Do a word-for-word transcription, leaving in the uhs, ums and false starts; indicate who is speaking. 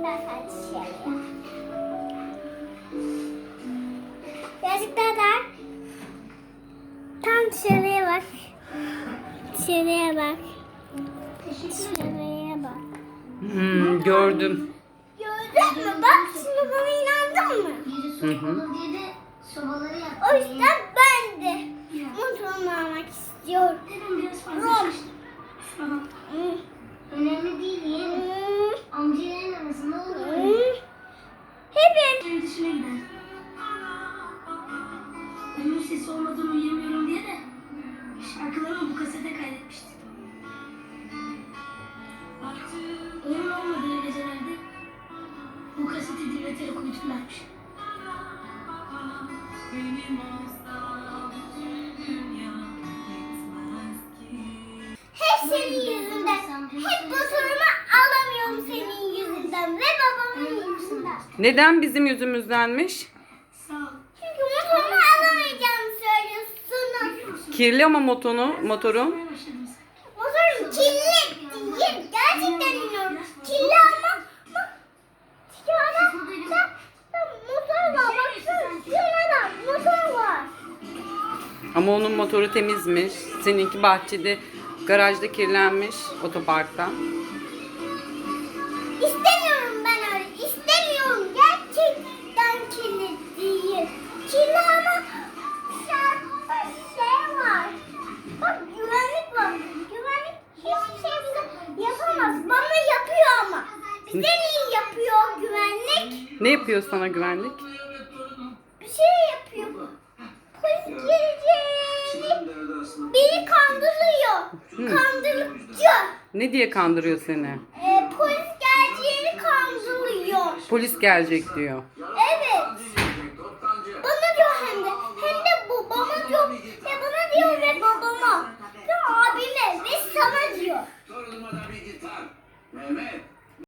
Speaker 1: Ben sadece dışarıya. Birazcık daha dar. Tam dışarıya bak. Dışarıya bak. Dışarıya bak.
Speaker 2: Hmm, gördüm.
Speaker 1: Gördün mü? Bak şimdi bana inandın mı?
Speaker 2: Hı hı.
Speaker 1: O yüzden ben de motorumu almak istiyorum. Rom. Hmm.
Speaker 3: Önemli değil yeğenim.
Speaker 1: Hmm.
Speaker 3: Amcaların arasında olur.
Speaker 1: Hmm. Hepim.
Speaker 3: Benim dışına gider. Onun sesi olmadan uyuyamıyorum diye de şarkılarımı bu kasete kaydetmiştim. Onun olmadığı gecelerde bu kaseti dinleterek uyuturlarmış.
Speaker 1: Hep senin yüzünden. Hep motorumu alamıyorum senin yüzünden ve babamın yüzünden.
Speaker 2: Neden bizim yüzümüzdenmiş?
Speaker 3: Sağ ol.
Speaker 1: Çünkü motorumu alamayacağımı söylüyorsunuz.
Speaker 2: Kirli ama motonu, motorun.
Speaker 3: Başladım sen.
Speaker 1: Motorum kirli değil. Gerçekten iniyorum. Kirli ama bak. Şurada da, da motor var. Baksana şurada motor var.
Speaker 2: Ama onun motoru temizmiş. Seninki bahçede, garajda kirlenmiş otoparkta.
Speaker 1: İstemiyorum ben öyle. İstemiyorum. Gerçekten kirli değil. Kirli ama dışarıda şey var. Bak güvenlik var. Güvenlik hiçbir şey bize yapamaz. Bana yapıyor ama. Bize niye yapıyor güvenlik?
Speaker 2: Ne yapıyor sana güvenlik?
Speaker 1: Bir şey yapıyor. Polis geleceğini beni kandırıyor. Kandırıcı.
Speaker 2: Ne diye kandırıyor seni?
Speaker 1: Ee, polis geleceğini kandırıyor.
Speaker 2: Polis gelecek diyor.